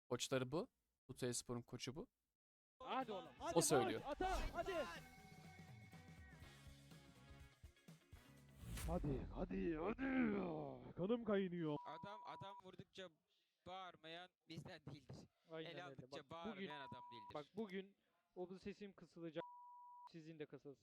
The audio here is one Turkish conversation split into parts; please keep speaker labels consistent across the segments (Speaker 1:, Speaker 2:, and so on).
Speaker 1: Koçları bu. Tutay Spor'un koçu bu.
Speaker 2: Hadi oğlum.
Speaker 1: O söylüyor.
Speaker 2: Ata hadi.
Speaker 3: Hadi. Kanım kaynıyor.
Speaker 4: Adam vurdukça bağırmayan bizden değildir.
Speaker 2: Aynen
Speaker 4: El
Speaker 2: öyle.
Speaker 4: aldıkça
Speaker 2: Bak,
Speaker 4: bağırmayan adam değildir.
Speaker 2: bugün o bu sesim kısılacak. Sizin de kısılsın.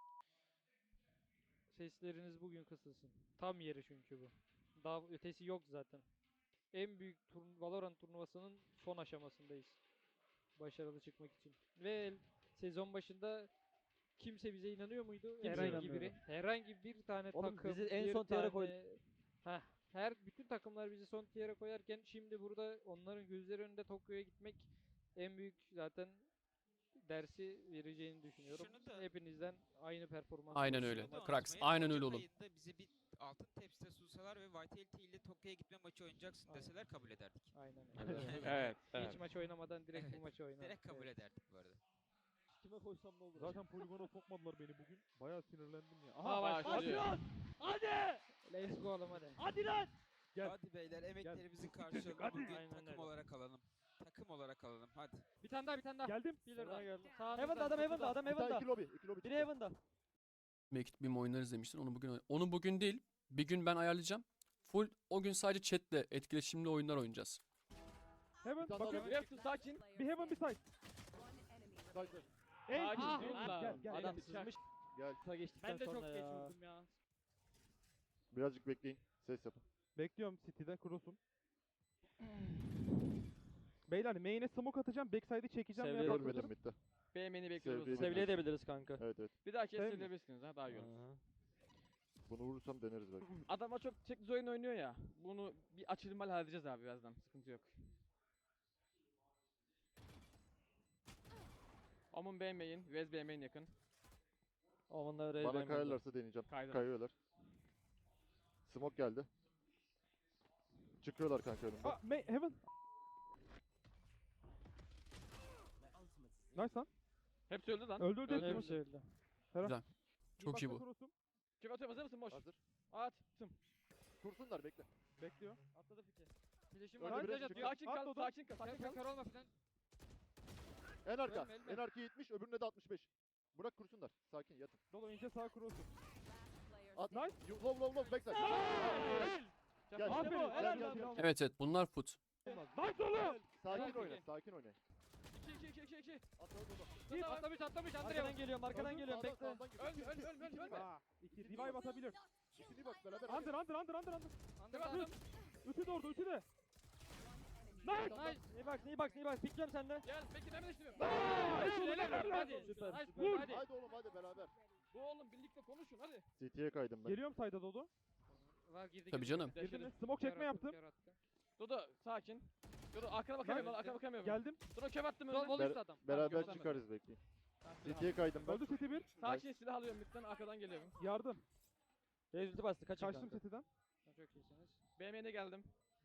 Speaker 2: Sesleriniz bugün kısılsın. Tam yeri çünkü bu. Daha ötesi yok zaten. En büyük Valorant turnuvasının son aşamasındayız. Başarılı çıkmak için. Ve sezon başında kimse bize inanıyor muydu? Herhangi biri. Herhangi bir tane
Speaker 5: Oğlum
Speaker 2: takım.
Speaker 5: bizi en
Speaker 2: bir
Speaker 5: son tiyara
Speaker 2: tane- Heh, bütün takımlar bizi son tiyara koyarken şimdi burada onların gözleri önünde Tokyo'ya gitmek en büyük zaten dersi vereceğini düşünüyorum.
Speaker 4: Şunu da-
Speaker 2: Hepinizden aynı performans.
Speaker 1: Aynen
Speaker 2: bekliyorum.
Speaker 1: öyle.
Speaker 4: Şunu da
Speaker 1: Krax,
Speaker 4: unutmayın,
Speaker 1: aynen öyle
Speaker 4: Ocak
Speaker 1: oğlum.
Speaker 4: ayında bize bir altın tepside sunsalar ve Vitality ile Tokyo'ya gitme maçı oynayacaksın
Speaker 2: Aynen.
Speaker 4: deseler kabul ederdik.
Speaker 2: Aynen.
Speaker 3: Evet.
Speaker 2: Hiç maç oynamadan direkt bu
Speaker 4: Evet,
Speaker 2: maçı oynardık.
Speaker 4: Direkt kabul
Speaker 2: Evet.
Speaker 4: ederdik bu arada.
Speaker 5: Kime koysam ne olur?
Speaker 3: Zaten poligona sokmadılar beni bugün. Bayağı sinirlendim ya.
Speaker 2: Aha, başlıyor.
Speaker 3: Hadi lan!
Speaker 2: Let's go oğlum hadi.
Speaker 3: Hadi lan! Gel.
Speaker 4: Hadi beyler emeklerimizin karşılığını
Speaker 3: Hadi.
Speaker 4: bugün
Speaker 2: Aynen
Speaker 4: takım
Speaker 2: öyle.
Speaker 4: olarak alalım. Takım olarak alalım hadi.
Speaker 2: Bir tane daha.
Speaker 3: Geldim.
Speaker 2: Bilir
Speaker 5: Sana geldi.
Speaker 2: Sağınızda,
Speaker 5: Heaven'da adam
Speaker 3: Bir tane
Speaker 5: Heaven'da.
Speaker 3: iki lobi.
Speaker 5: Biri Heaven'da.
Speaker 1: Mekit bir oynarız demiştin. Onu bugün değil. Bir gün ben ayarlayacağım. Full o gün sadece chatle etkileşimli oyunlar oynayacağız.
Speaker 3: Heaven bakın.
Speaker 5: Reaction sakin.
Speaker 3: Bir heaven bir side. Ey!
Speaker 5: Sakin
Speaker 2: Ah,
Speaker 5: durun
Speaker 2: ah.
Speaker 5: da.
Speaker 3: Gel.
Speaker 5: Adam sızmış.
Speaker 6: Gel.
Speaker 5: Kısa geçtikten
Speaker 2: Ben de çok
Speaker 5: sonra
Speaker 2: geç
Speaker 5: ya.
Speaker 2: vurdum ya.
Speaker 6: Birazcık bekleyin. Ses yapın.
Speaker 3: Bekliyorum City'de cross'um. Beyler main'e smoke atacağım. Backside'i çekeceğim.
Speaker 5: Sevgili
Speaker 3: veya
Speaker 5: Görmedim.
Speaker 6: Görmedim
Speaker 3: patlatırım.
Speaker 6: bitti.
Speaker 5: BM'ni bekliyoruz.
Speaker 6: Sevgili
Speaker 5: Sevliye edebiliriz kanka.
Speaker 6: Evet.
Speaker 5: Bir daha
Speaker 3: Sevmiyorum.
Speaker 5: kesebilirsiniz ha daha iyi olur.
Speaker 3: Aha.
Speaker 6: Bunu vurursam deneriz belki.
Speaker 5: Adama çok çektiğiniz oyun oynuyor ya. Bunu bir açılmalı halledeceğiz abi birazdan. Sıkıntı yok. Omun BM'in, Vez BM'in yakın. Omun'la Rez
Speaker 6: Bana kayarlarsa deneyeceğim.
Speaker 5: Kaydım.
Speaker 6: Kayıyorlar. Smoke geldi. Çıkıyorlar kanka önümde.
Speaker 3: Heaven. Nice lan.
Speaker 5: Hepsi öldü lan.
Speaker 3: Öldü.
Speaker 2: Hepsi öldü.
Speaker 1: Çok iyi bu.
Speaker 3: Cross'um.
Speaker 5: Kim atıyor hazır mısın boş?
Speaker 6: Hazır.
Speaker 5: Attım.
Speaker 6: Kursunlar bekle.
Speaker 3: Bekliyor.
Speaker 5: Atladı fike.
Speaker 2: Flash'im
Speaker 3: Öyle
Speaker 2: var.
Speaker 3: biri
Speaker 2: Flash
Speaker 3: çıkıyor.
Speaker 2: atıyor.
Speaker 5: Sakin kal,
Speaker 3: Atladı.
Speaker 5: sakin kal, sakin
Speaker 2: Kör
Speaker 5: kal.
Speaker 2: olma falan.
Speaker 6: En arka.
Speaker 2: Ölme.
Speaker 6: En arka 70. Öbürüne de 65. Bırak kursunlar. Sakin yatın.
Speaker 3: Dolu ince sağ cross'um.
Speaker 6: At.
Speaker 3: Nice.
Speaker 6: Low backside. Gel.
Speaker 3: Aferin.
Speaker 6: Gel,
Speaker 3: Helal
Speaker 6: gel,
Speaker 3: lan.
Speaker 6: gel.
Speaker 1: Evet bunlar foot.
Speaker 3: Nice oğlum.
Speaker 6: Sakin
Speaker 5: Helal
Speaker 6: oyna.
Speaker 5: peki.
Speaker 6: Sakin oyna.
Speaker 5: 2.
Speaker 2: Git. Atlamış
Speaker 5: Arkadan
Speaker 2: Andrea.
Speaker 5: geliyorum, arkadan geliyorum. Bekle.
Speaker 4: Ölme.
Speaker 3: Aa, 2 revive atabilir.
Speaker 6: İkini bak beraber.
Speaker 3: Under.
Speaker 2: Andrea.
Speaker 3: Ütü de orada, ütü de.
Speaker 2: Nice.
Speaker 5: İyi bak. Pikliyorum sende.
Speaker 4: Gel peki ne istiyorum?
Speaker 2: Hadi.
Speaker 5: Süper,
Speaker 2: Nice.
Speaker 5: süper.
Speaker 2: Hadi.
Speaker 6: Hadi oğlum hadi beraber.
Speaker 5: Bu oğlum birlikte konuşun hadi.
Speaker 6: CT'ye kaydım ben.
Speaker 3: Geliyorum sayda Dodo.
Speaker 2: Var girdi.
Speaker 1: Tabii canım.
Speaker 3: Girdin mi? Smoke çekme yaptım.
Speaker 5: Dodo sakin. Dodo arkana bakamıyorum, arkana bakamıyorum.
Speaker 3: Geldim.
Speaker 5: Dodo köp attım
Speaker 2: Sol
Speaker 5: önüne.
Speaker 2: vol üstü adam.
Speaker 6: Beraber
Speaker 5: gösterme.
Speaker 6: çıkarız bekleyin. CT'ye kaydım ben.
Speaker 3: Öldü City 1.
Speaker 5: Sakin silah alıyorum lütfen arkadan geliyorum.
Speaker 3: Yardım.
Speaker 5: Rezultü bastı
Speaker 3: Kaçtım City'den.
Speaker 2: Çok iyisiniz.
Speaker 5: BM'ne geldim.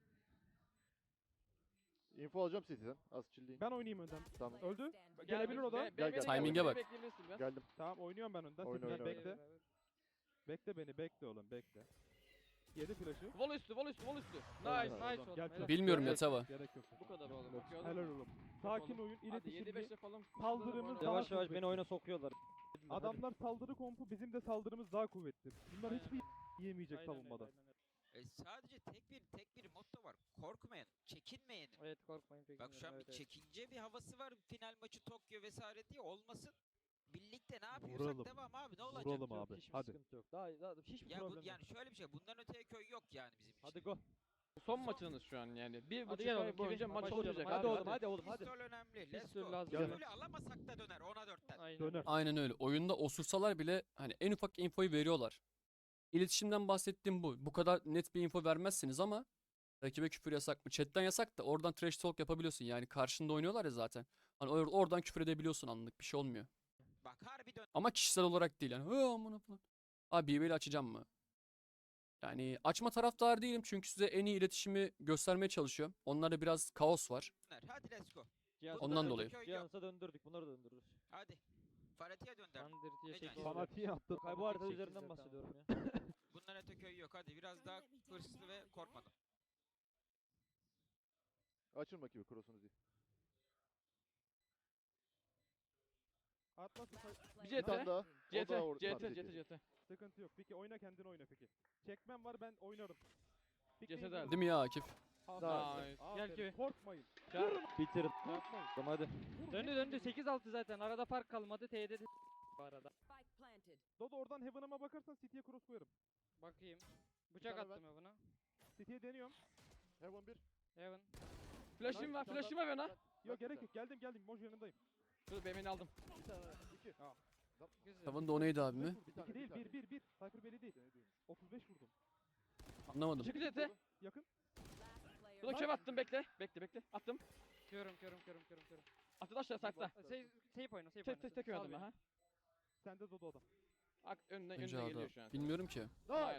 Speaker 6: Info alacağım CT'den. Az chill'leyin.
Speaker 3: Ben oynayayım önden.
Speaker 6: Tamam.
Speaker 3: Öldü. Gelebilir o da.
Speaker 6: Gel, gel.
Speaker 1: Timing'e bak.
Speaker 5: Bekleyebilirsin biraz.
Speaker 6: Geldim.
Speaker 3: Tamam oynuyorum ben önden.
Speaker 6: Oyna,
Speaker 3: City'den
Speaker 6: oyna,
Speaker 3: bekle. Bekle beni. Bekle oğlum. Bekle. Yedi flash'ı.
Speaker 5: Vol üstü.
Speaker 6: Helal.
Speaker 5: Nice.
Speaker 2: Nice oğlum.
Speaker 3: Gel,
Speaker 2: helal.
Speaker 1: Bilmiyorum
Speaker 3: Gerek
Speaker 1: Yatava.
Speaker 3: yok, Gerek yok.
Speaker 5: Bu kadar oğlum.
Speaker 3: Helal oğlum. Sakin oyun.
Speaker 5: Hadi
Speaker 3: İletişimli.
Speaker 5: 7-5'le falan.
Speaker 3: Saldırımız daha
Speaker 5: Yavaş
Speaker 3: kuvvetli.
Speaker 5: beni oyuna sokuyorlar.
Speaker 3: Adamlar saldırı kompu, bizim de saldırımız daha kuvvetli. Bunlar
Speaker 2: Aynen.
Speaker 3: hiçbir yiyemeyecek
Speaker 2: Aynen öyle,
Speaker 3: savunmada.
Speaker 2: aynen öyle.
Speaker 4: Sadece tek bir motto var. Korkmayın, çekinmeyin.
Speaker 2: Evet korkmayın peki.
Speaker 4: Bak şu an bir çekince bir havası var. Final maçı Tokyo vesaire diye olmasın. Birlikte ne yapıyorsak
Speaker 3: Vuralım.
Speaker 4: devam abi ne olacak?
Speaker 3: Vuralım abi.
Speaker 5: Hiçbir
Speaker 3: Hadi.
Speaker 5: sıkıntı yok. Daha hiçbir
Speaker 4: Ya
Speaker 5: problem yok.
Speaker 4: yani şöyle bir şey. Bundan öteye köy yok yani bizim için.
Speaker 5: Hadi go. Son maçınız şu an yani. Bir buçuk
Speaker 2: gel oğlum,
Speaker 5: ay boyunca
Speaker 2: girin,
Speaker 5: maç
Speaker 2: başlayalım.
Speaker 5: olacak.
Speaker 2: Hadi
Speaker 5: Hadi
Speaker 2: oğlum,
Speaker 5: oğlum hadi oğlum hadi.
Speaker 4: Pistol önemli. Let's
Speaker 2: Pistol
Speaker 4: go.
Speaker 2: lazım.
Speaker 4: Pistolü alamasak da döner. 10'a 4'ten.
Speaker 2: Aynen.
Speaker 3: Döner.
Speaker 1: Aynen öyle. Oyunda osursalar bile hani en ufak infoyu veriyorlar. İletişimden bahsettiğim bu. Bu kadar net bir info vermezsiniz ama rakibe küfür yasak mı? Chat'ten yasak da oradan trash talk yapabiliyorsun. Yani karşında oynuyorlar ya zaten. Hani oradan küfür edebiliyorsun anlık. Bir şey olmuyor.
Speaker 4: Bak harbi dön.
Speaker 1: Ama kişisel olarak değil yani. Amına falan. Abi BB'li açacağım mı? Yani açma taraftar değilim çünkü size en iyi iletişimi göstermeye çalışıyorum. Onlarda biraz kaos var.
Speaker 4: Hadi let's go.
Speaker 5: Cihans'a
Speaker 1: Ondan
Speaker 5: döndürdük,
Speaker 1: dolayı.
Speaker 4: Köy yok.
Speaker 5: Cihans'a döndürdük. Bunları da döndürürüz.
Speaker 4: Hadi. Farati'ye dönder.
Speaker 2: Sandır diye
Speaker 4: Ne
Speaker 2: şey
Speaker 4: diyorsun?
Speaker 3: Fanatiği attı.
Speaker 5: Kay bu harita üzerinden bahsediyorum ya.
Speaker 4: Bundan öte köy yok. Hadi biraz daha hırslı ve korkmadan.
Speaker 6: Açın bakayım cross'unuz iyi.
Speaker 3: Atlasın.
Speaker 5: Bir
Speaker 6: Bir tane
Speaker 5: CT.
Speaker 6: daha. O
Speaker 5: CT.
Speaker 6: da orada.
Speaker 5: CT.
Speaker 6: Tamam,
Speaker 5: CT. CT.
Speaker 3: Sıkıntı yok. Peki oyna kendin oyna peki. Çekmem var ben oynarım.
Speaker 5: Cesedi
Speaker 3: Pikleyin.
Speaker 5: aldım.
Speaker 1: Değil mi ya Akif?
Speaker 3: Aferin.
Speaker 5: Nice.
Speaker 3: Aferin.
Speaker 2: Gel ki.
Speaker 3: Korkmayın.
Speaker 2: Bitirin.
Speaker 3: Korkmayın.
Speaker 2: Tamam hadi.
Speaker 3: Vur,
Speaker 2: Döndü
Speaker 3: hepsini
Speaker 2: döndü
Speaker 3: vur.
Speaker 2: 8-6 zaten. Arada fark kalmadı. T'de de bu arada.
Speaker 3: Dodo oradan Heaven'ıma bakarsan City'ye cross koyarım.
Speaker 2: Bakayım. Bıçak
Speaker 6: tane
Speaker 2: attım ya buna.
Speaker 3: City'ye deniyorum.
Speaker 6: Heaven 1.
Speaker 2: Heaven.
Speaker 5: Flash'im var. Flash'im var bana.
Speaker 3: Yok gerek yok. Geldim. Moj yanındayım.
Speaker 5: Dur BM'ni aldım.
Speaker 6: Bir tane. 2.
Speaker 2: Güzel.
Speaker 1: Tavan da o neydi abi mi?
Speaker 6: Bir tane.
Speaker 3: 2 değil
Speaker 6: bir tane.
Speaker 3: 1. Cypher belli değil. 35 vurdum.
Speaker 1: Anlamadım.
Speaker 5: Çık CT.
Speaker 3: Yakın.
Speaker 5: Dur da köv attım bekle. Bekle. Attım.
Speaker 2: Körüm.
Speaker 5: Attı aşağı sakla.
Speaker 2: Seyip oyna.
Speaker 5: Tek
Speaker 2: Sal
Speaker 5: oynadım
Speaker 2: beni.
Speaker 5: ha.
Speaker 3: Sende Dodo adam.
Speaker 5: Önüne
Speaker 1: Önce
Speaker 5: geliyor şu an.
Speaker 1: Bilmiyorum ki.
Speaker 5: Nice.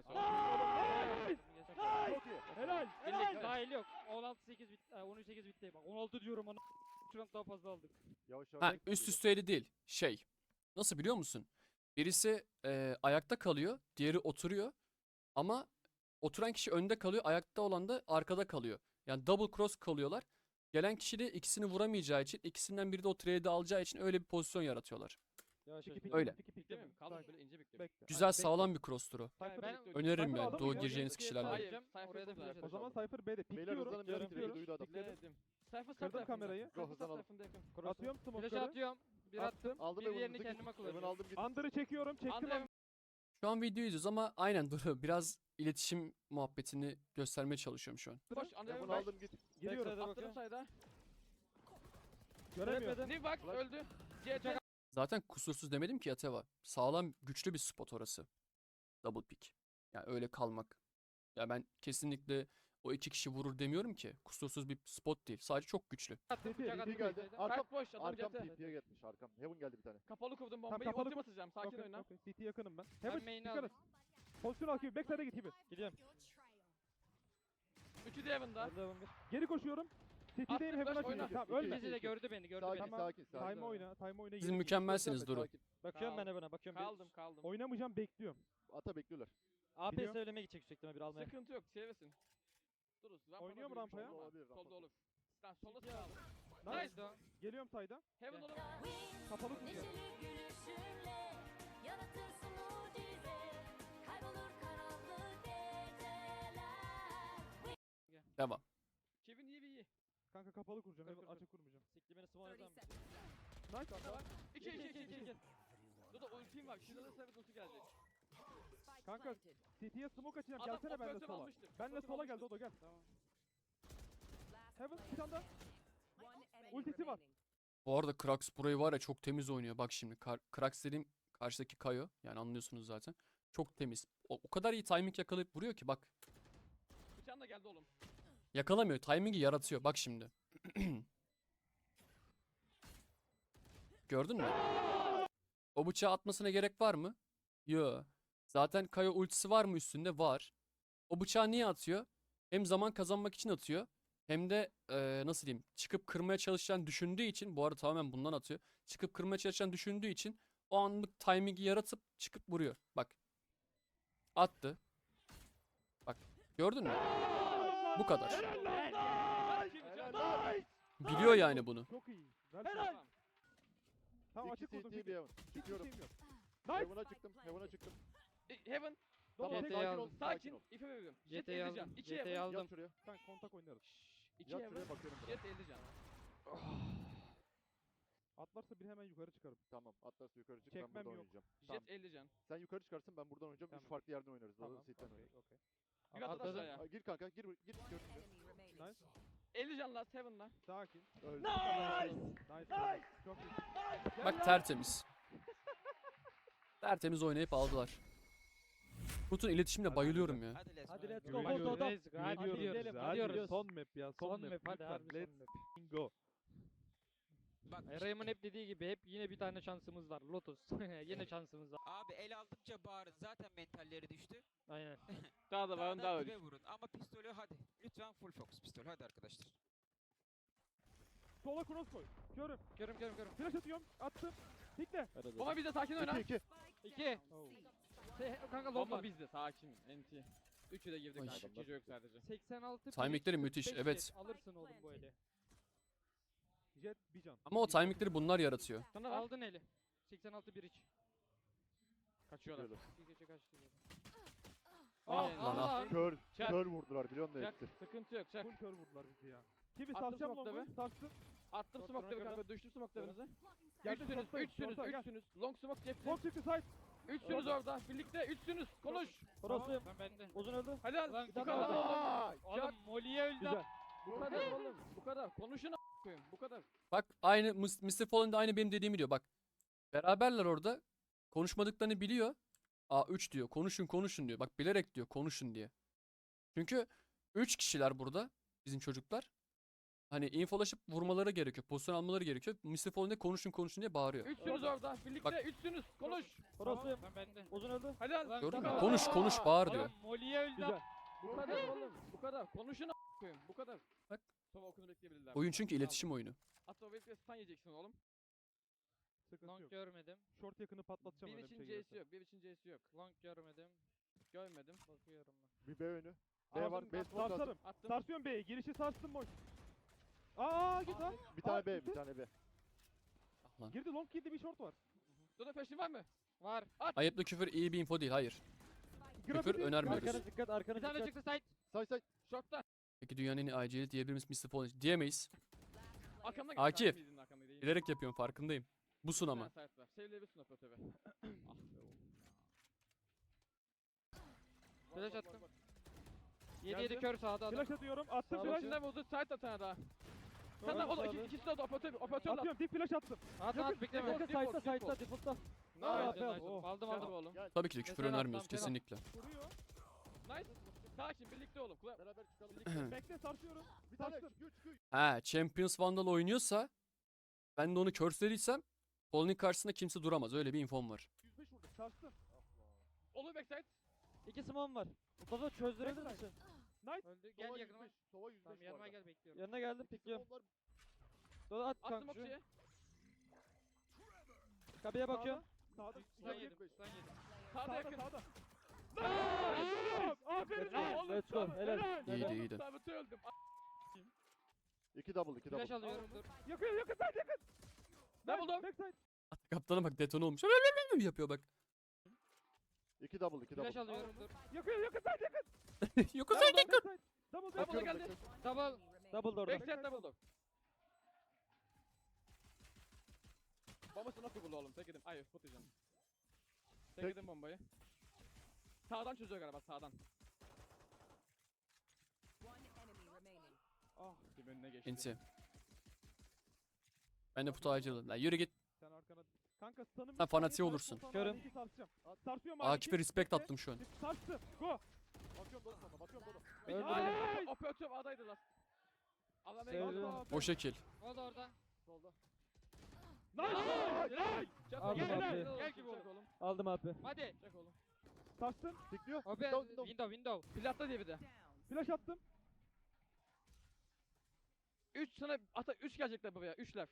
Speaker 6: Çok iyi.
Speaker 3: Helal.
Speaker 2: Birlik dahil yok. 16-8 bitti. 13-8 bitti. Bak 16 diyorum ana. Şu an daha fazla aldık.
Speaker 6: Yavaş
Speaker 1: Ha
Speaker 6: yavaş.
Speaker 1: üst üsteydi değil. Şey. Nasıl biliyor musun? Birisi ayakta kalıyor, diğeri oturuyor. Ama oturan kişi önde kalıyor, ayakta olan da arkada kalıyor. Yani double cross kalıyorlar. Gelen kişi de ikisini vuramayacağı için, ikisinden biri de o trade'i alacağı için öyle bir pozisyon yaratıyorlar.
Speaker 2: Yavaş
Speaker 3: Piki,
Speaker 2: yavaş.
Speaker 3: piki,
Speaker 1: Öyle.
Speaker 3: piki, piki.
Speaker 5: Bekle mi? Kaldım
Speaker 3: Sakin.
Speaker 5: böyle ince bekle.
Speaker 3: Bekle.
Speaker 1: Güzel,
Speaker 3: Bekle.
Speaker 1: sağlam bir cross'tur o.
Speaker 3: Cypher
Speaker 2: Ben-
Speaker 3: bekle.
Speaker 1: Öneririm
Speaker 3: Cypher
Speaker 1: yani
Speaker 3: adamı
Speaker 1: doğu
Speaker 3: ya.
Speaker 1: gireceğiniz kişilerle.
Speaker 5: Hayır.
Speaker 2: Oraya
Speaker 5: Sayfa
Speaker 2: da flash
Speaker 3: O zaman
Speaker 2: atacağım.
Speaker 3: Cypher B'de.
Speaker 6: Beyler
Speaker 3: Pikliyorum.
Speaker 6: hızlanın biraz
Speaker 2: Görüyorum.
Speaker 6: duydu adam.
Speaker 5: Bekledim. Sayfa
Speaker 3: Kırdım
Speaker 5: tarafında.
Speaker 3: kamerayı.
Speaker 5: Sayfa
Speaker 6: Hızlanalım.
Speaker 5: tarafında yakın.
Speaker 3: Atıyorum
Speaker 2: Flash
Speaker 3: smoke'ları.
Speaker 2: atıyorum. Bir attım.
Speaker 6: Aldım
Speaker 2: Bir
Speaker 6: Heaven'ı.
Speaker 2: diğerini
Speaker 6: Git.
Speaker 2: kendime
Speaker 6: Heaven
Speaker 2: kullanıyorum.
Speaker 6: aldım git.
Speaker 3: Under'ı çekiyorum. Çektim.
Speaker 5: Anladım.
Speaker 1: Şu an video izliyoruz ama aynen dur biraz iletişim muhabbetini göstermeye çalışıyorum şu an.
Speaker 5: Koş.
Speaker 6: Heaven
Speaker 5: Anladım.
Speaker 6: aldım git.
Speaker 3: Geliyorum.
Speaker 2: Backside'a
Speaker 5: Attım sayda.
Speaker 3: Göremiyorum.
Speaker 5: Niv bak
Speaker 6: Flash.
Speaker 5: öldü. CT.
Speaker 1: Zaten kusursuz demedim ki Yateva. Sağlam, güçlü bir spot orası. Double pick. Yani öyle kalmak. Ya ben kesinlikle o iki kişi vurur demiyorum ki. Kusursuz bir spot değil. Sadece çok güçlü.
Speaker 2: Attım.
Speaker 3: TP
Speaker 2: Bıçak attım.
Speaker 6: geldi.
Speaker 2: backside.
Speaker 6: Arkam.
Speaker 5: Kalk boş. Adam
Speaker 6: Arkam
Speaker 5: CT.
Speaker 6: TP'ye gelmiş. Arkam. Heaven geldi bir tane.
Speaker 5: Kapalı kurdum
Speaker 3: Tamam,
Speaker 5: bombayı.
Speaker 3: kapalı
Speaker 5: Ultim atacağım. Sakin oyna.
Speaker 3: Okay. City yakınım ben.
Speaker 2: Ben
Speaker 3: Heaven
Speaker 2: main'i
Speaker 3: dikkat
Speaker 2: aldım.
Speaker 3: et. Pozisyon al gibi. Backside'e git gibi. Gidiyorum.
Speaker 5: Üçü de Heaven'da.
Speaker 3: Geri koşuyorum. City'deyim.
Speaker 5: Attım,
Speaker 3: Heaven'a
Speaker 5: flash, oyna.
Speaker 3: çıkacağım. Tamam
Speaker 6: İki,
Speaker 3: ölme.
Speaker 2: İkisi de gördü beni.
Speaker 6: Sakin
Speaker 2: beni.
Speaker 6: sakin sakin.
Speaker 3: Time oyna. Time oyna.
Speaker 1: Siz
Speaker 3: geri
Speaker 1: mükemmelsiniz
Speaker 6: Gösterme,
Speaker 1: Duru.
Speaker 6: sakin.
Speaker 2: Bakıyorum
Speaker 5: Kaldım.
Speaker 2: ben Evan'a. Bakıyorum.
Speaker 5: Kaldım.
Speaker 3: Oynamayacağım bekliyorum.
Speaker 6: Ata bekliyorlar.
Speaker 2: AP
Speaker 3: Biliyorum.
Speaker 2: söylemeye gidecek yüksek bir almaya.
Speaker 5: Sıkıntı yok. Sevesin. Duruz.
Speaker 3: Oynuyor mu rampaya?
Speaker 6: Olabilir,
Speaker 5: Solda
Speaker 6: rampa.
Speaker 5: olur. Sen solda sağ ol.
Speaker 3: Nice.
Speaker 5: Nice.
Speaker 3: Geliyorum sayda.
Speaker 5: Heaven olur.
Speaker 3: Kapalı tutuyorum.
Speaker 7: Yaratırsın mucize, kaybolur karanlık geceler.
Speaker 1: Devam.
Speaker 5: Kevin iyi.
Speaker 3: Kanka kapalı kuracağım.
Speaker 2: Kır,
Speaker 3: Heaven
Speaker 2: kır, kır.
Speaker 3: açık kurmayacağım.
Speaker 2: Sikli beni spawn eder misin?
Speaker 3: Nice.
Speaker 5: Tamam. 2.
Speaker 2: İki.
Speaker 5: Dur ultim var. Şuradan sabit ulti gelecek.
Speaker 3: Kanka City'ye smoke açacağım.
Speaker 5: Adam
Speaker 3: Gelsene benle
Speaker 5: operatör
Speaker 3: sola.
Speaker 5: almıştır.
Speaker 3: Benle
Speaker 5: Operatör
Speaker 3: sola gel
Speaker 5: almıştır.
Speaker 3: Dodo gel.
Speaker 2: Tamam.
Speaker 3: Heaven bir tane daha. Ultisi var.
Speaker 1: Bu arada Krax burayı var ya çok temiz oynuyor. Bak şimdi Krax dediğim karşıdaki Kayo. Yani anlıyorsunuz zaten. Çok temiz. O kadar iyi timing yakalayıp vuruyor ki bak.
Speaker 5: Bıçağın da geldi oğlum.
Speaker 1: Yakalamıyor. Timing'i yaratıyor. Bak şimdi. Gördün mü? O bıçağı atmasına gerek var mı? Yo. Zaten Kayo ultisi var mı üstünde? Var. O bıçağı niye atıyor? Hem zaman kazanmak için atıyor. Hem de nasıl diyeyim? Çıkıp kırmaya çalışacağını düşündüğü için. Bu arada tamamen bundan atıyor. Çıkıp kırmaya çalışacağını düşündüğü için o anlık timing'i yaratıp çıkıp vuruyor. Bak. Attı. Bak. Gördün mü? Bu kadar. Biliyor yani bunu.
Speaker 3: Çok iyi. Ver
Speaker 5: Tamam.
Speaker 3: şunu. Tamam açık
Speaker 6: İki
Speaker 3: kurdum.
Speaker 6: CT bir Heaven.
Speaker 3: Hiç
Speaker 6: Çıkıyorum.
Speaker 3: şeyim yok. Nice.
Speaker 6: Heaven'a çıktım. Heaven'a çıktım.
Speaker 5: Heaven.
Speaker 3: Dodo
Speaker 6: Tamam
Speaker 3: tek
Speaker 2: CT'yi
Speaker 6: sakin ol.
Speaker 2: aldım.
Speaker 6: Sakin
Speaker 5: Sakin.
Speaker 6: ol.
Speaker 5: İpe veriyorum.
Speaker 2: CT'yi aldım.
Speaker 5: 2
Speaker 2: CT'yi
Speaker 5: Heaven.
Speaker 2: aldım.
Speaker 6: Yat şuraya.
Speaker 3: Ben kontak oynarız.
Speaker 5: 2
Speaker 6: Yat
Speaker 5: Heaven.
Speaker 6: şuraya bakıyorum.
Speaker 5: Jet 50 can.
Speaker 3: Atlarsa bir hemen yukarı çıkarım.
Speaker 6: Tamam. Atlas yukarı çık. Ben
Speaker 3: Çekmem
Speaker 6: buradan
Speaker 3: yok.
Speaker 6: oynayacağım.
Speaker 5: Jet
Speaker 6: Tamam.
Speaker 5: 50 can.
Speaker 6: Sen yukarı çıkarsın ben buradan oynayacağım.
Speaker 3: Tamam.
Speaker 6: Üç farklı yerden oynarız.
Speaker 3: Tamam.
Speaker 6: Tamam. Sitten
Speaker 3: Okey.
Speaker 6: oynarız.
Speaker 3: Okey.
Speaker 5: Bir atladı
Speaker 2: Atladım.
Speaker 5: aşağıya.
Speaker 6: Gir kanka gir görüntüye.
Speaker 3: Nice.
Speaker 5: 50 can last Heaven'la.
Speaker 3: Sakin.
Speaker 6: Öldü.
Speaker 3: Nice. Çok iyi. Gel
Speaker 1: Bak
Speaker 3: lan.
Speaker 1: tertemiz. Tertemiz oynayıp aldılar. Kurt'un iletişimine bayılıyorum ya.
Speaker 4: Hadi let's
Speaker 3: Hadi
Speaker 4: go.
Speaker 3: let's go. Hadi
Speaker 2: Hadi
Speaker 3: gidelim. Hadi
Speaker 2: gidiyoruz.
Speaker 3: Son map ya.
Speaker 2: Son map hadi
Speaker 3: Lütfen.
Speaker 2: harbi son
Speaker 3: Let's
Speaker 2: map.
Speaker 3: go.
Speaker 4: Bak
Speaker 2: Eray'ımın hep dediği gibi hep yine bir tane şansımız var. Lotus. Yine şansımız var.
Speaker 4: abi el aldıkça bağırın. Zaten mentalleri düştü.
Speaker 2: Aynen.
Speaker 5: Daha da var daha
Speaker 4: Daha
Speaker 5: var.
Speaker 4: dibe vurun. Ama pistolü hadi. Lütfen full focus pistol. Hadi arkadaşlar.
Speaker 3: Sola cross koy. Körüm.
Speaker 2: Görüm.
Speaker 3: Flash atıyorum. Attım. Pikle.
Speaker 5: Bomba bizde sakin oyna.
Speaker 6: 2-2.
Speaker 2: 2.
Speaker 3: Oh.
Speaker 2: Kanka lob
Speaker 5: Bomba
Speaker 2: var.
Speaker 5: bizde sakin. NT. Üçü de girdi
Speaker 1: Ay.
Speaker 5: kanka. Cici yok sadece.
Speaker 2: 86
Speaker 1: Timingleri
Speaker 2: bridge,
Speaker 1: müthiş,
Speaker 2: 45
Speaker 1: evet.
Speaker 2: jet. Alırsın oğlum bu eli.
Speaker 3: Jet bir can.
Speaker 1: Ama o timingleri bunlar yaratıyor.
Speaker 5: Sana var.
Speaker 2: Aldın eli. 86 bridge.
Speaker 5: Kaçıyorlar.
Speaker 6: Böyle.
Speaker 2: Bir gece kaçtı böyle.
Speaker 5: Aynen.
Speaker 1: Lan ah.
Speaker 6: Kör,
Speaker 5: Çak.
Speaker 6: kör vurdular biliyor musun
Speaker 5: Çak.
Speaker 6: hepsi?
Speaker 5: Sıkıntı yok çak.
Speaker 3: Full kör vurdular bizi ya. Kimi
Speaker 5: Attım
Speaker 3: sarsacağım
Speaker 5: smoke'ları.
Speaker 3: longu. Sarstım.
Speaker 5: Attım
Speaker 2: Short
Speaker 5: smoke'ları
Speaker 2: kırdım.
Speaker 5: kanka. Düştüm smoke'larınızı.
Speaker 3: Geldim,
Speaker 5: Üçsünüz.
Speaker 3: short'tayım,
Speaker 5: Üçsünüz.
Speaker 3: short'a, gel.
Speaker 5: Üçsünüz. Long smoke cepte.
Speaker 3: Long çıktı side.
Speaker 5: Üçsünüz orada. Birlikte üçsünüz. Konuş.
Speaker 2: Orası. Ben bende.
Speaker 3: Uzun öldü.
Speaker 5: Helal.
Speaker 2: Ulan
Speaker 5: Bu
Speaker 2: bir tane
Speaker 5: kadar.
Speaker 2: daha.
Speaker 5: Çak.
Speaker 2: Oğlum Molly'ye öldü.
Speaker 3: Güzel.
Speaker 5: Bu kadar oğlum. Bu kadar. Konuşun koyun. Bu kadar.
Speaker 1: Bak aynı Mr. Fallen de aynı benim dediğimi diyor. Bak beraberler orada. Konuşmadıklarını biliyor. A3 diyor. Konuşun konuşun diyor. Bak bilerek diyor konuşun diye. Çünkü 3 kişiler burada. Bizim çocuklar. Hani infolaşıp vurmaları gerekiyor. Pozisyon almaları gerekiyor. Mr. Fallen de konuşun konuşun diye bağırıyor.
Speaker 5: Üçsünüz orada. Birlikte
Speaker 1: Bak.
Speaker 5: üçsünüz. Konuş.
Speaker 2: Orası. Ben bende.
Speaker 3: Uzun öldü.
Speaker 5: Helal.
Speaker 2: Ulan
Speaker 1: Gördün
Speaker 2: bir
Speaker 1: mü?
Speaker 2: tane
Speaker 1: Konuş
Speaker 2: daha.
Speaker 1: konuş bağır diyor.
Speaker 2: Oğlum Molly'ye öldü.
Speaker 3: Güzel.
Speaker 5: Bu kadar oğlum. Bu kadar. Konuşun koyun. Bu kadar.
Speaker 1: Bak.
Speaker 5: Sonra okunu bekleyebilirler.
Speaker 1: Oyun çünkü iletişim oyunu.
Speaker 5: Hatta o bekle stun yiyeceksin oğlum.
Speaker 3: Sıkıntı
Speaker 2: Long
Speaker 3: yok.
Speaker 2: görmedim.
Speaker 3: Short yakını patlatacağım
Speaker 5: Bir
Speaker 3: öyle bir
Speaker 5: için
Speaker 3: şey
Speaker 5: C'si
Speaker 3: gelirse.
Speaker 5: yok. Bir için C'si yok.
Speaker 2: Long görmedim.
Speaker 5: Görmedim.
Speaker 2: Bakıyorum ben.
Speaker 6: Bir B önü. B var.
Speaker 5: Aldım,
Speaker 6: B
Speaker 5: attım,
Speaker 6: smoke lazım.
Speaker 3: Sarsarım.
Speaker 5: Attım.
Speaker 3: Sarsıyorum B'yi. Girişi sarstım boş. Aa git lan.
Speaker 6: Bir tane
Speaker 3: Aa,
Speaker 6: B,
Speaker 3: gitti.
Speaker 6: bir tane B.
Speaker 1: Ah lan.
Speaker 3: Girdi long girdi bir short var.
Speaker 5: Dodo peşin var mı?
Speaker 2: Var.
Speaker 1: Ayıplı küfür iyi bir info değil. Hayır.
Speaker 3: Grafiti.
Speaker 1: önermiyoruz.
Speaker 3: Arkana dikkat arkana
Speaker 2: Bir tane
Speaker 3: dikkat.
Speaker 2: çıktı side.
Speaker 6: Say say.
Speaker 5: Short'ta.
Speaker 1: Peki dünyanın en iyi IG'li diyebilir miyiz Mr. Fallen? Diyemeyiz.
Speaker 5: Arkamda gel.
Speaker 1: Akif.
Speaker 5: Sen miydin arkamda değil?
Speaker 1: Bilerek yapıyorum farkındayım. Busun ama.
Speaker 5: Bir tane site var. Sevleyebilirsin operatörü. Ah be oğlum.
Speaker 2: Flash
Speaker 5: Var,
Speaker 2: attım.
Speaker 5: var.
Speaker 2: 7-7 kör sağda adam.
Speaker 3: Flash atıyorum. Attım
Speaker 5: Sağ
Speaker 3: flash.
Speaker 5: içinden vurdu. Site atana daha. Sen de oğlum ikisi de orada operatör. Operatör at.
Speaker 3: Atıyorum. Dip flash attım.
Speaker 2: At at bekleme.
Speaker 5: Yakın, side'da, side'da,
Speaker 3: default'ta.
Speaker 5: Nice.
Speaker 3: Aa,
Speaker 2: Nice, nice.
Speaker 3: oh.
Speaker 2: Aldım
Speaker 5: Hadi
Speaker 2: aldım.
Speaker 5: oğlum.
Speaker 1: Tabii ki de küfür
Speaker 2: Mesela
Speaker 1: önermiyoruz
Speaker 2: atlam,
Speaker 1: kesinlikle.
Speaker 3: Vuruyor.
Speaker 5: Nice. Sakin birlikte oğlum. Kula.
Speaker 6: Beraber çıkalım.
Speaker 3: Bekle sarsıyorum.
Speaker 6: Bir tane
Speaker 3: Sarstım.
Speaker 6: çıkıyor çıkıyor.
Speaker 1: Ha, Champions Vandal oynuyorsa ben de onu curse'lediysem Fallen'in karşısında kimse duramaz. Öyle bir infom var.
Speaker 3: 105 vurdum. Sarstım.
Speaker 5: Olur backside.
Speaker 8: 2 smom var. Mustafa çözdürebilir misin?
Speaker 2: Öldü. Gel
Speaker 6: Sova
Speaker 2: yakınıma.
Speaker 6: 105. Sova 105
Speaker 2: Tamam
Speaker 6: bu
Speaker 2: yanıma
Speaker 6: arada.
Speaker 2: gel bekliyorum.
Speaker 8: Yanına geldim
Speaker 6: İki
Speaker 8: pikliyorum.
Speaker 6: smoke'lar
Speaker 8: Dola at
Speaker 5: Attım
Speaker 8: kanka.
Speaker 5: okçuya.
Speaker 8: Kabiye bakıyorum.
Speaker 3: Sağda.
Speaker 2: Stun yedim. Stun yedim.
Speaker 5: Sağda
Speaker 3: Sağda
Speaker 5: yakın.
Speaker 3: sağda. Aferin
Speaker 5: Helal.
Speaker 3: lan.
Speaker 8: Let's go. Helal.
Speaker 1: İyiydi iyiydi.
Speaker 5: Sabit'i öldüm.
Speaker 6: 2 double 2
Speaker 2: Flash
Speaker 6: double.
Speaker 2: alıyorum dur.
Speaker 3: Yakın yakın side yakın.
Speaker 5: Ne buldum?
Speaker 3: Backside.
Speaker 1: Kaptana bak detone olmuş. Yapıyor bak.
Speaker 6: 2 double 2
Speaker 2: Flash
Speaker 6: double.
Speaker 2: alıyorum dur.
Speaker 3: Yakın yakın side yakın.
Speaker 1: Yok o
Speaker 3: Backside. Double
Speaker 5: Double
Speaker 3: backside.
Speaker 5: geldi.
Speaker 2: Double.
Speaker 8: Double door'da.
Speaker 5: Backside double door. Bombası nasıl buldu oğlum? Tek edim. Ay spot yiyeceğim. Tek
Speaker 6: Tek-
Speaker 5: edim bombayı. Sağdan çözüyor galiba sağdan. Ah bir önüne geçti.
Speaker 1: Inti. Ben de putu acıladım. Lan yürü git.
Speaker 3: Sen arkana. Kanka stun'ım.
Speaker 1: Sen fanatiği olursun.
Speaker 8: Körüm.
Speaker 3: Sarsacağım. Sarsıyorum
Speaker 1: Akif'e respect attım şu an.
Speaker 3: Sarstım. Go.
Speaker 6: Bakıyorum Dodo sana bakıyorum Dodo.
Speaker 8: Öldürdüm.
Speaker 5: Operatör adaydı lan. Adam
Speaker 8: Sevdim.
Speaker 1: O şekil.
Speaker 2: O da orada.
Speaker 6: Solda.
Speaker 3: Nice.
Speaker 8: Aldım
Speaker 3: Gel,
Speaker 8: abi.
Speaker 2: Gel gibi oğlum.
Speaker 5: oğlum.
Speaker 8: Aldım abi.
Speaker 2: Hadi.
Speaker 5: Çek oğlum.
Speaker 3: Sarstım.
Speaker 6: Tikliyor.
Speaker 2: O be window.
Speaker 5: Platta diye bir de.
Speaker 3: Flash attım.
Speaker 5: 3 sana ata 3 gelecekler buraya. 3'ler.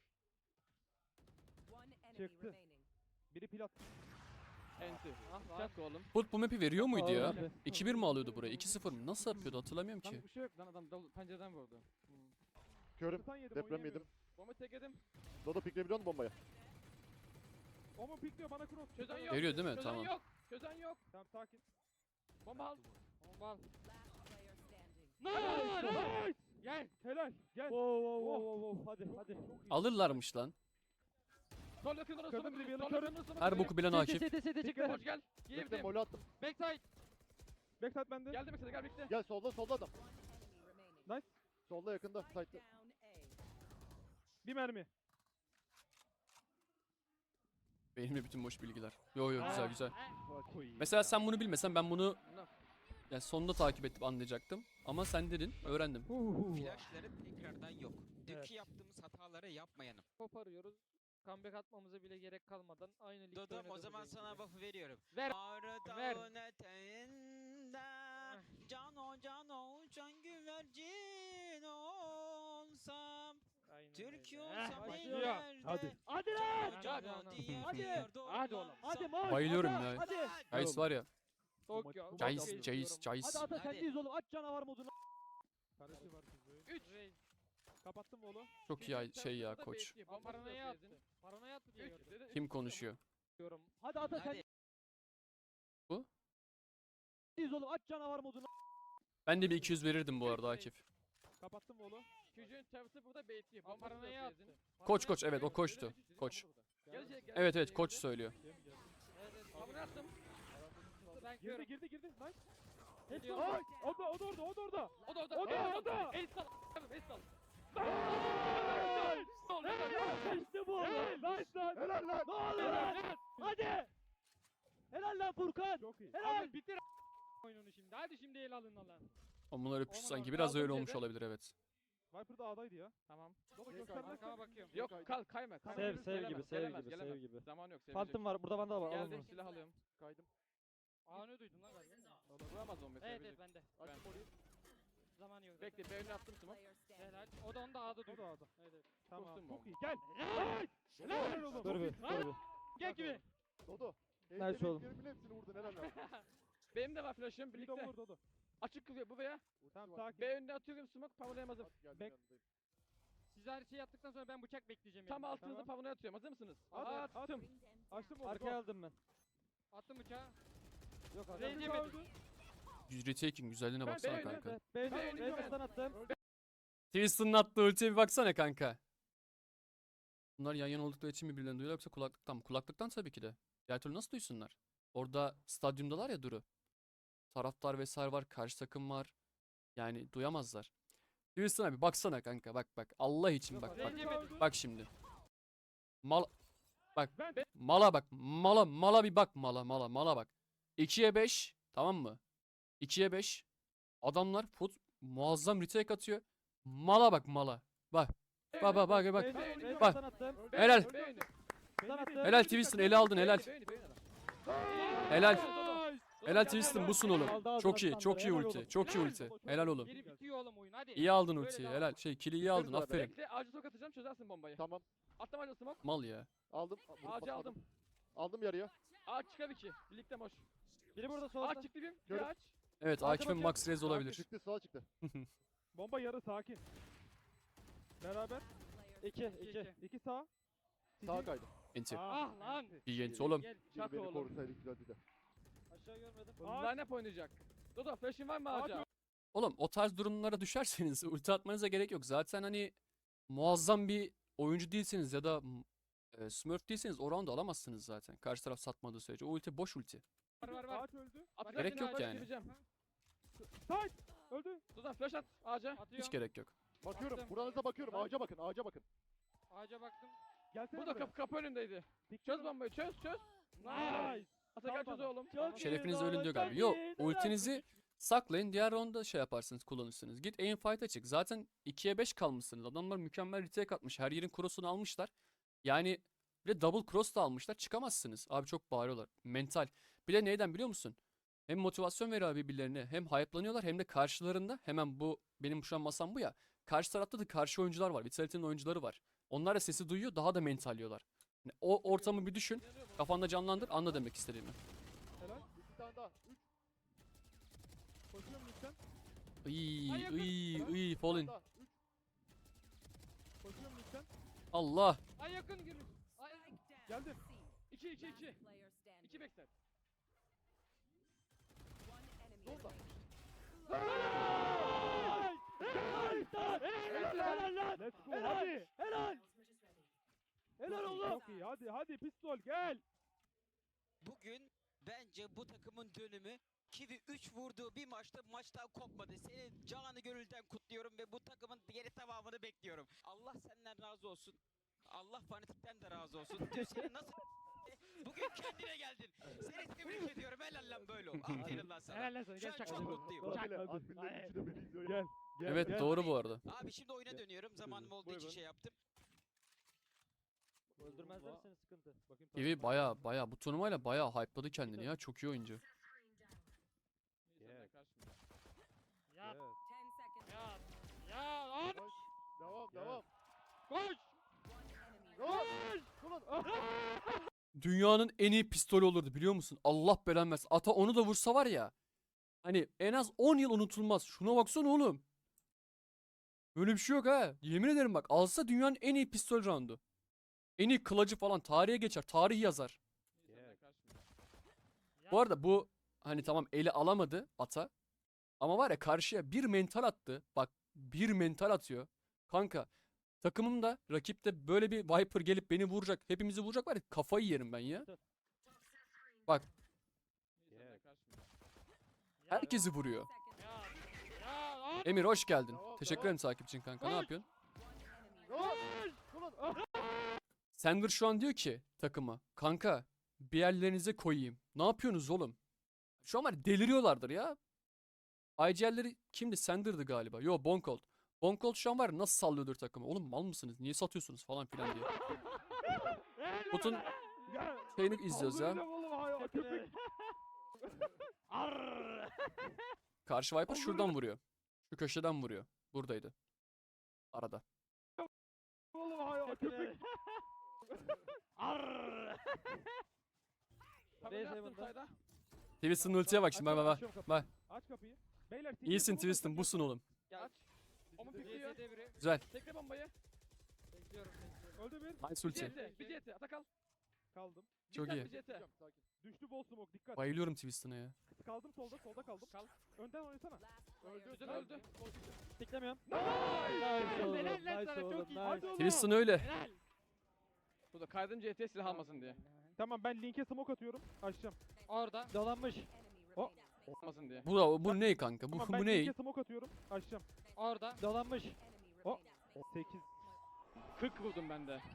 Speaker 3: Çıktı. Biri plat.
Speaker 5: Enti.
Speaker 2: Ah
Speaker 5: Çak oğlum.
Speaker 1: Put bu map'i veriyor muydu ya?
Speaker 8: Aldım abi.
Speaker 1: 2-1 mi alıyordu buraya? 2-0 mı? Nasıl yapıyordu hatırlamıyorum ki.
Speaker 5: Lan bir şey yok lan adam pencereden vurdu.
Speaker 6: Körüm.
Speaker 3: Stun yedim.
Speaker 6: Deprem
Speaker 3: oynayamıyorum.
Speaker 6: yedim.
Speaker 5: Bomba tek edim.
Speaker 6: Dodo pikleyebiliyor musun bombayı?
Speaker 3: Omun pikliyor bana cross.
Speaker 5: Çözen yok.
Speaker 1: Veriyor değil mi?
Speaker 5: Çözen
Speaker 1: Tamam.
Speaker 5: yok. Çözen yok.
Speaker 3: Tamam sakin.
Speaker 5: Bomba al.
Speaker 2: Bomba al.
Speaker 3: Nice.
Speaker 2: Gel.
Speaker 3: Helal. Gel.
Speaker 8: Wow wow wow wow. Hadi hadi.
Speaker 1: Alırlarmış lan.
Speaker 5: Sol yakınlara
Speaker 3: Kırdım
Speaker 5: smoke.
Speaker 3: bir
Speaker 5: Sol
Speaker 3: kırdım.
Speaker 5: yakınlara smoke.
Speaker 1: Her boku bilen Akif.
Speaker 8: Sete çıktı.
Speaker 5: Hoş gel.
Speaker 6: Bekle
Speaker 5: Girdim.
Speaker 6: molü attım.
Speaker 2: Backside.
Speaker 3: Backside bende.
Speaker 5: Geldi mesela gel birlikte.
Speaker 6: Gel solda adam.
Speaker 3: Nice.
Speaker 6: Solda yakında. Side'da.
Speaker 3: Bir mermi.
Speaker 1: Benimle bütün boş bilgiler. Yo yo güzel güzel.
Speaker 3: Koyayım
Speaker 1: Mesela
Speaker 3: ya.
Speaker 1: sen bunu bilmesen ben bunu yani sonunda takip edip anlayacaktım. Ama sen dedin, öğrendim.
Speaker 4: Flashları tekrardan yok. Dünkü
Speaker 3: Evet.
Speaker 4: yaptığımız hataları yapmayalım.
Speaker 2: Koparıyoruz. Comeback atmamıza bile gerek kalmadan aynı ligde
Speaker 4: Dodom o
Speaker 2: oynadığımız
Speaker 4: zaman
Speaker 2: gibi.
Speaker 4: sana buff'ı veriyorum.
Speaker 2: Ver.
Speaker 4: Ağrı
Speaker 2: Ver.
Speaker 4: dağın eteğinde can güvercin olsam
Speaker 2: Aynen
Speaker 4: Türk
Speaker 2: öyle.
Speaker 4: olsam
Speaker 2: Başlıyor.
Speaker 4: ellerde
Speaker 3: Hadi.
Speaker 8: Hadi lan.
Speaker 4: Can
Speaker 2: Hadi.
Speaker 4: diye
Speaker 8: Hadi.
Speaker 4: bir yerde
Speaker 2: Hadi oğlum.
Speaker 4: olsam.
Speaker 8: Hadi maç.
Speaker 1: Bayılıyorum
Speaker 8: hadi,
Speaker 1: ya.
Speaker 8: Hadi.
Speaker 1: Guys var ya.
Speaker 2: Tokyo.
Speaker 3: Bu
Speaker 1: Jace,
Speaker 3: maç-
Speaker 1: Jace, Jace.
Speaker 8: Hadi ata
Speaker 4: Hadi.
Speaker 8: sendeyiz oğlum. Aç canavar modunu.
Speaker 3: Karışı var kızı.
Speaker 2: 3 Reis.
Speaker 3: Kapattın mı oğlum?
Speaker 1: Çok iyi şey ya koç.
Speaker 2: Paranoya attı. Paranoya attı diye gördüm.
Speaker 1: Kim konuşuyor?
Speaker 2: Diyorum.
Speaker 8: Hadi ata
Speaker 4: Hadi.
Speaker 8: sendeyiz oğlum. Aç canavar modunu.
Speaker 1: Ben de bir 200 verirdim bu arada Akif.
Speaker 3: Kapattın mı oğlum?
Speaker 5: Çocuğun çarpısı burada bekliyor.
Speaker 2: Ama paranoya attı.
Speaker 1: Koç koç evet o koçtu. Koç. Evet evet koç söylüyor.
Speaker 3: Şey mi geldi?
Speaker 5: Abone attım.
Speaker 2: Ben
Speaker 3: Girdi
Speaker 2: körüm.
Speaker 3: girdi girdi. Nice.
Speaker 2: Geliyor.
Speaker 3: Ay! O da orada o da orada.
Speaker 5: O da orada.
Speaker 3: O da orada.
Speaker 5: El sal. El sal.
Speaker 8: İşte bu oğlum.
Speaker 3: Nice lan. Helal lan.
Speaker 8: Ne oluyor lan? Hadi. Helal lan Furkan.
Speaker 3: Çok iyi.
Speaker 8: Helal.
Speaker 2: Abi bitir oyununu şimdi. Hadi şimdi el alın lan.
Speaker 1: Onlar öpüş
Speaker 2: Aman
Speaker 1: sanki
Speaker 2: Allah'ım,
Speaker 1: biraz öyle
Speaker 5: aldım
Speaker 1: olmuş
Speaker 5: cebe.
Speaker 1: olabilir evet.
Speaker 3: Viper da A'daydı ya.
Speaker 5: Tamam.
Speaker 3: Baba göstermezsen.
Speaker 2: Arkama bakıyorum.
Speaker 5: Yok kal kayma.
Speaker 3: Sev,
Speaker 5: Gelemez,
Speaker 8: sev gibi,
Speaker 5: gelemez,
Speaker 8: sev
Speaker 5: gelemez,
Speaker 8: gibi,
Speaker 5: gelemez.
Speaker 8: sev gibi.
Speaker 5: Zaman yok. sevecek.
Speaker 8: Phantom var. Burada bende var. Al
Speaker 5: Geldim
Speaker 8: onu.
Speaker 5: silah alıyorum.
Speaker 3: Kaydım.
Speaker 2: Aa ne duydun lan galiba?
Speaker 5: Vuramaz onu.
Speaker 2: Evet evet bende.
Speaker 3: Açtım orayı.
Speaker 2: Zamanı yok.
Speaker 5: Bekle ben önüne attım smoke.
Speaker 2: Helal. O da onda A'da
Speaker 3: O
Speaker 2: duydu.
Speaker 3: da A'da.
Speaker 2: Evet evet.
Speaker 3: Tamam.
Speaker 5: Korktum
Speaker 3: Çok
Speaker 5: bu.
Speaker 3: iyi. Gel. Helal oğlum.
Speaker 8: Dur bir. Dur bir.
Speaker 2: Gel gibi.
Speaker 6: Dodo.
Speaker 8: Nice oğlum.
Speaker 6: Hepsini vurdun helal lan.
Speaker 5: Benim de var flash'ım
Speaker 3: Bir de
Speaker 5: birlikte.
Speaker 6: şey
Speaker 3: vur Dodo.
Speaker 5: Açık kılıyor bu veya.
Speaker 3: Tamam sakin.
Speaker 5: B önüne atıyorum smoke pavolayamazım.
Speaker 6: Geldim
Speaker 3: Bek-
Speaker 6: yanındayım.
Speaker 2: Siz her şeyi yaptıktan sonra ben bıçak bekleyeceğim.
Speaker 5: Tam
Speaker 2: yanında.
Speaker 5: altınızda
Speaker 3: Tamam.
Speaker 5: pavonaya atıyorum. Hazır mısınız?
Speaker 3: Hadi, at.
Speaker 5: Attım.
Speaker 3: Açtım onu.
Speaker 8: Arkaya aldım ben.
Speaker 2: Attım bıçağı.
Speaker 8: Yok
Speaker 2: Reis
Speaker 8: arkaya.
Speaker 2: yemedi.
Speaker 1: Retaking güzelliğine
Speaker 5: Ben
Speaker 1: baksana
Speaker 5: beğendim.
Speaker 1: kanka.
Speaker 8: Ben
Speaker 5: Ben-
Speaker 8: Reis'ten attım.
Speaker 1: Twister'ın attığı ultiye bir baksana kanka. Bunlar yan yana oldukları için mi birbirlerini duyuyorlar yoksa kulaklıktan mı? Kulaklıktan tabii ki de. Diğer türlü nasıl duysunlar? Orada stadyumdalar ya Duru. Taraftar vesaire var, karşı takım var. Yani duyamazlar. Twister abi baksana kanka bak bak. Allah için bak bak.
Speaker 2: Reis yemedi.
Speaker 1: Bak şimdi. Mal bak
Speaker 3: Ben-
Speaker 1: mala bak. Mala bir bak mala bak. 2'ye 5 tamam mı? 2'ye 5. Adamlar muazzam retake atıyor. Mala bak mala. Bak. Bak bak bak bak.
Speaker 8: Reis'ten attım.
Speaker 1: Helal.
Speaker 5: B önü.
Speaker 8: Ben attım.
Speaker 1: Helal Twiston eli aldın helal.
Speaker 5: B önü, B önü.
Speaker 1: Helal.
Speaker 3: Nice.
Speaker 1: Helal Twiston busun oğlum.
Speaker 8: Aldı ağzına
Speaker 1: Çok iyi
Speaker 8: standları,
Speaker 1: çok iyi
Speaker 8: helal
Speaker 1: ulti.
Speaker 8: oğlum.
Speaker 1: Çok iyi ulti. Helal oğlum.
Speaker 2: Geri bitiyor oğlum oyun hadi.
Speaker 1: İyi aldın
Speaker 2: Böyle
Speaker 1: ultiyi
Speaker 2: devam.
Speaker 1: helal. Kill'i iyi aldın
Speaker 6: Bitiririz abi.
Speaker 1: aferin.
Speaker 5: Bekle ağacı sok atacağım çözersin bombayı.
Speaker 6: Tamam.
Speaker 5: Attım ağacı smoke.
Speaker 1: Mal ya.
Speaker 6: Aldım.
Speaker 5: Ağacı aldım.
Speaker 6: Aldım yarıya.
Speaker 5: Ağaç çıkar 2. Birlikte boş.
Speaker 8: Biri burada
Speaker 5: Ağaç
Speaker 8: solda.
Speaker 5: çıktı bir. Bir
Speaker 6: Gördüm.
Speaker 5: ağaç.
Speaker 1: Evet
Speaker 8: Arka
Speaker 1: Akif'in
Speaker 8: bakıyorum.
Speaker 1: max res olabilir.
Speaker 6: Çıktı sağa çıktı.
Speaker 3: Bomba yarı sakin. Beraber.
Speaker 8: 2
Speaker 2: İki,
Speaker 8: 2.
Speaker 2: iki.
Speaker 3: 2 sağ.
Speaker 6: Sağa kaydı.
Speaker 1: Enti.
Speaker 2: Ah lan.
Speaker 1: İyi enti oğlum.
Speaker 2: Gel.
Speaker 6: Biri
Speaker 5: Çak
Speaker 6: beni
Speaker 5: oğlum.
Speaker 6: korusaydı güzeldi de.
Speaker 8: Aşağı görmedim.
Speaker 5: Line up oynayacak. Dodo flash'in var mı
Speaker 3: Ağaç
Speaker 5: ağaca?
Speaker 1: Oğlum o tarz durumlara düşerseniz ulti atmanıza gerek yok. Zaten hani muazzam bir oyuncu değilseniz ya da smurf değilseniz o round'u alamazsınız zaten. Karşı taraf satmadığı sürece. O ulti boş ulti.
Speaker 2: Var.
Speaker 3: Ağaç öldü.
Speaker 5: Atacak
Speaker 1: Gerek
Speaker 5: yine
Speaker 1: yok
Speaker 5: ağaca
Speaker 1: yani.
Speaker 5: gireceğim.
Speaker 3: Side. Öldü.
Speaker 5: Dodo flash at ağaca.
Speaker 2: Atıyorum.
Speaker 1: Hiç gerek yok.
Speaker 6: Bakıyorum.
Speaker 2: Attım.
Speaker 6: Buranıza bakıyorum. Ağaca bakın. Ağaca bakın.
Speaker 2: Ağaca baktım.
Speaker 3: Gelsene
Speaker 5: Burada
Speaker 3: buraya.
Speaker 5: kapı önündeydi.
Speaker 3: Dik
Speaker 5: Çöz
Speaker 3: dur.
Speaker 5: bombayı çöz.
Speaker 3: Nice.
Speaker 5: Atakan
Speaker 3: Tamam.
Speaker 5: çöz oğlum.
Speaker 8: Çok iyi.
Speaker 1: Şerefiniz
Speaker 8: Doğru,
Speaker 1: ölün diyor
Speaker 8: çok
Speaker 1: galiba. Yok
Speaker 8: iyi.
Speaker 1: ultinizi saklayın. Diğer roundda şey yaparsınız kullanırsınız. Git aim fight'a çık. Zaten 2'ye 5 kalmışsınız. Adamlar mükemmel retake atmış. Her yerin cross'unu almışlar. Yani bir de double cross da almışlar. Çıkamazsınız. Abi çok bağırıyorlar. Mental. Bir de neyden biliyor musun? Hem motivasyon veriyor birbirlerine. Hem hype'lanıyorlar hem de karşılarında hemen bu benim şu an masam bu ya. Karşı tarafta da karşı oyuncular var. Vitality'nin oyuncuları var. Onlar da sesi duyuyor. Daha da mentalliyorlar. Yani o ortamı bir düşün. Kafanda canlandır. Anla demek istediğimi.
Speaker 3: Helal.
Speaker 6: 2 tane daha. 3
Speaker 3: Koşuyorum lütfen.
Speaker 1: Fallen.
Speaker 6: daha. 3
Speaker 3: Koşuyorum lütfen.
Speaker 1: Allah.
Speaker 2: Ay yakın girin. Ay.
Speaker 3: Geldim.
Speaker 5: 2 2 2. 2 backside.
Speaker 6: Solda.
Speaker 8: Helal lan.
Speaker 3: Let's go.
Speaker 8: Helal.
Speaker 3: Hadi.
Speaker 8: Helal. Helal oğlum.
Speaker 3: Çok iyi. Hadi hadi pistol gel.
Speaker 4: Bugün bence bu takımın dönümü Kiwi 3 vurduğu bir maçtan kopmadı. Seni canı gönülden kutluyorum ve bu takımın geri tamamını bekliyorum. Allah senden razı olsun. Allah fanatikten de razı olsun. Dün seni nasıl bugün kendine geldin. Seni tebrik ediyorum. Helal lan böyle ol. Aferin lan sana.
Speaker 2: Helal lan sana.
Speaker 4: Şu
Speaker 2: Gel
Speaker 4: an
Speaker 2: çak.
Speaker 4: çok mutluyum.
Speaker 3: Hadi.
Speaker 6: Adile.
Speaker 3: Hadi.
Speaker 6: Adminlerin üçü de beni izliyor.
Speaker 3: Gel. Gel.
Speaker 1: Evet
Speaker 3: gel.
Speaker 1: doğru bu arada.
Speaker 4: Abi şimdi oyuna dönüyorum. Zamanım olduğu için
Speaker 3: Buyurun.
Speaker 4: şey yaptım.
Speaker 8: Öldürmezler seni sıkıntı.
Speaker 3: Bakayım
Speaker 1: Gibi baya bu turnuvayla baya hype'ladı kendini ya. Çok iyi oyuncu.
Speaker 3: Yes.
Speaker 2: Ya.
Speaker 3: Yes.
Speaker 2: Ya. Ya. At.
Speaker 6: Devam
Speaker 3: Gel.
Speaker 6: devam.
Speaker 2: Koş.
Speaker 6: Devam. Ulan.
Speaker 1: dünyanın en iyi pistolü olurdu biliyor musun? Allah belanı versin. Ata onu da vursa var ya. Hani en az 10 yıl unutulmaz. Şuna baksana oğlum. Böyle bir şey yok ha. Yemin ederim bak. Alsa dünyanın en iyi pistol roundu. En iyi kılıcı falan tarihe geçer. Tarih yazar. Bu arada bu hani tamam eli alamadı Ata. Ama var ya karşıya bir mental attı. Bak bir mental atıyor. Kanka takımımda rakipte böyle bir Viper gelip beni vuracak. Hepimizi vuracak var ya kafayı yerim ben ya. Bak herkesi vuruyor. Emir hoş geldin. Teşekkür ederim takip için kanka. Ne yapıyorsun? Sender şu an diyor ki takıma. Kanka bir yerlerinize koyayım. Ne yapıyorsunuz oğlum? Şu an var ya, deliriyorlardır ya. IGL'leri kimdi? Sender'dı galiba. Yo Bonkold. Bonkold şu an var ya, nasıl sallıyordur takımı. Oğlum mal mısınız? Niye satıyorsunuz falan filan diye. Botun şeyini izliyoruz ya. Karşı Viper şuradan vuruyor. Şu köşeden vuruyor. Buradaydı. Arada. Twiston ultiye bak şimdi bak. Bak.
Speaker 3: Aç kapıyı. Beyler
Speaker 1: İyisin Twiston busun oğlum.
Speaker 2: Gel.
Speaker 5: Ama pikliyor.
Speaker 1: Güzel.
Speaker 5: Tekle bombayı.
Speaker 2: Bekliyorum.
Speaker 3: Öldü bir.
Speaker 1: Nice ulti.
Speaker 5: Bir CT. Atakal.
Speaker 3: Kaldım.
Speaker 1: Çok iyi.
Speaker 5: Bir CT.
Speaker 3: Düştü bol smoke dikkat.
Speaker 1: Bayılıyorum Twiston'a ya.
Speaker 3: Kaldım solda kaldım.
Speaker 5: Kal.
Speaker 3: Önden oynasana.
Speaker 5: Güzel öldü.
Speaker 2: Tiklemiyorum.
Speaker 8: Nice oğlum.
Speaker 2: Helal lan
Speaker 8: Nice
Speaker 2: sana,
Speaker 8: oğlum.
Speaker 2: çok iyi.
Speaker 8: Nice.
Speaker 1: Twiston öyle.
Speaker 2: Helal.
Speaker 5: Bu da kaydım CT silah almasın diye.
Speaker 3: Tamam ben linke smoke atıyorum. Açacağım.
Speaker 2: Orada. Dolanmış.
Speaker 5: Almasın diye.
Speaker 1: Bu ne kanka?
Speaker 3: Tamam
Speaker 1: Bu
Speaker 3: ben
Speaker 1: ne?
Speaker 3: linke smoke atıyorum. Açacağım.
Speaker 2: Orada. Dolanmış.
Speaker 3: 8.
Speaker 5: 40 vurdum ben de.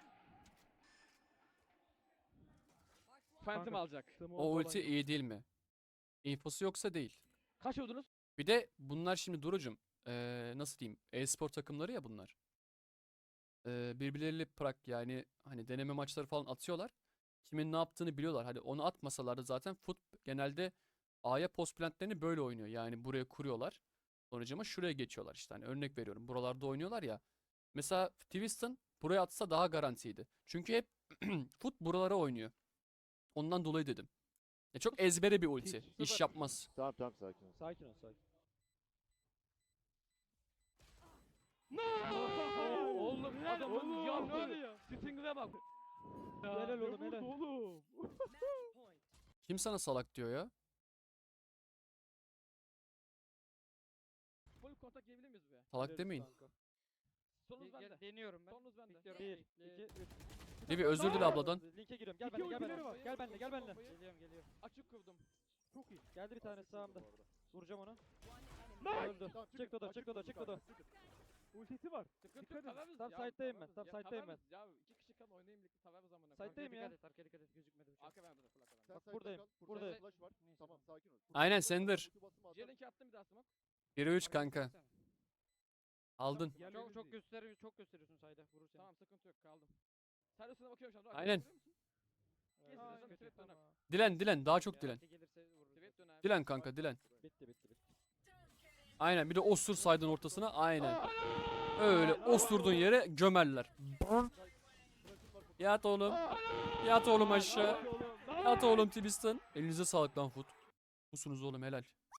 Speaker 5: Phantom
Speaker 3: Kanka.
Speaker 5: alacak.
Speaker 3: Smoke
Speaker 1: O
Speaker 3: falan
Speaker 1: ulti
Speaker 3: yok.
Speaker 1: iyi değil mi? İnfosu yoksa değil.
Speaker 5: Kaç vurdunuz?
Speaker 1: Bir de bunlar şimdi Duru'cum nasıl diyeyim e-spor takımları ya bunlar. Birbirleriyle yani hani deneme maçları falan atıyorlar. Kimin ne yaptığını biliyorlar. Hadi onu atmasalar da zaten genelde A'ya post plantlerini böyle oynuyor. Yani buraya kuruyorlar. Sonucuma şuraya geçiyorlar işte. Hani örnek veriyorum. Buralarda oynuyorlar ya. Mesela Twiston buraya atsa daha garantiydi. Çünkü hep buralara oynuyor. Ondan dolayı dedim. Çok ezbere bir ulti. İş yapmaz.
Speaker 6: Tamam tamam sakin ol.
Speaker 8: Sakin ol sakin.
Speaker 5: Oğlum adamın yandı. Sting'e bak.
Speaker 8: Helal
Speaker 3: Ne
Speaker 8: oğlum
Speaker 3: vurdu
Speaker 8: helal.
Speaker 3: oğlum?
Speaker 1: Kim sana salak diyor ya?
Speaker 5: Full kontak yiyebilir miyiz be?
Speaker 1: Salak demeyin.
Speaker 5: Sonunuz bende.
Speaker 2: Deniyorum ben.
Speaker 5: Sonunuz bende.
Speaker 2: Bekliyorum.
Speaker 8: 1,
Speaker 2: Bekle.
Speaker 8: 2, 3.
Speaker 1: Levi özür dile abladan.
Speaker 8: Linke giriyorum. Gel
Speaker 3: İki
Speaker 8: benimle gel
Speaker 3: ultileri
Speaker 8: benimle.
Speaker 3: var.
Speaker 8: Gel benimle gel benimle.
Speaker 2: Geliyorum.
Speaker 5: Açık kurdum.
Speaker 3: Çok iyi.
Speaker 8: Geldi bir tane sağımda. Vuracağım onu.
Speaker 3: Nice.
Speaker 8: Öldü.
Speaker 6: Tamam,
Speaker 8: Çık Dodo çık Dodo çık Dodo.
Speaker 3: Ultisi var.
Speaker 5: Sıkıntı
Speaker 3: Dikkat
Speaker 5: yok.
Speaker 3: edin.
Speaker 5: Taverniz
Speaker 8: Tam
Speaker 5: ya,
Speaker 8: side'dayım ben,
Speaker 5: taverniz
Speaker 8: tam
Speaker 5: ya,
Speaker 8: side'dayım ben.
Speaker 5: taverniz Ya 2 kişi kalın oynayayım birlikte taverniz zamanı.
Speaker 8: Side'dayım ya.
Speaker 2: Dikkat et gözükmedi bıçak.
Speaker 5: Arka bende de full arka bende.
Speaker 6: Sen
Speaker 8: Bak
Speaker 6: side'da
Speaker 8: buradayım,
Speaker 6: kal,
Speaker 8: buradayım.
Speaker 6: Flash var. Tamam sakin ol.
Speaker 1: Aynen,
Speaker 6: Flash var,
Speaker 1: Sender.
Speaker 6: ulti basımı atar.
Speaker 5: J-Link'e attım bir daha smoke.
Speaker 1: 1'e 3 kanka. Aldın.
Speaker 3: Yerleriniz
Speaker 2: Çok
Speaker 3: iyi.
Speaker 2: gösteriyorsun sayda vurur seni.
Speaker 5: Tamam sıkıntı yok kaldım. Sen üstüne bakıyorum şu an.
Speaker 1: Aynen.
Speaker 5: Geç
Speaker 2: Aa,
Speaker 5: birazdan
Speaker 2: kötü,
Speaker 5: trap döner.
Speaker 2: tamam.
Speaker 1: Dilen daha çok dilen.
Speaker 2: Gelirse vurur.
Speaker 5: Trap döner.
Speaker 1: Dilen kanka dilen.
Speaker 8: Bitti.
Speaker 1: Aynen bir de osur saydın ortasına aynen. Öyle osurduğun yere gömerler. Yat oğlum. Yat oğlum aşağı. Yat oğlum Twiston. Elinize sağlık lan Foot. Musunuz oğlum helal.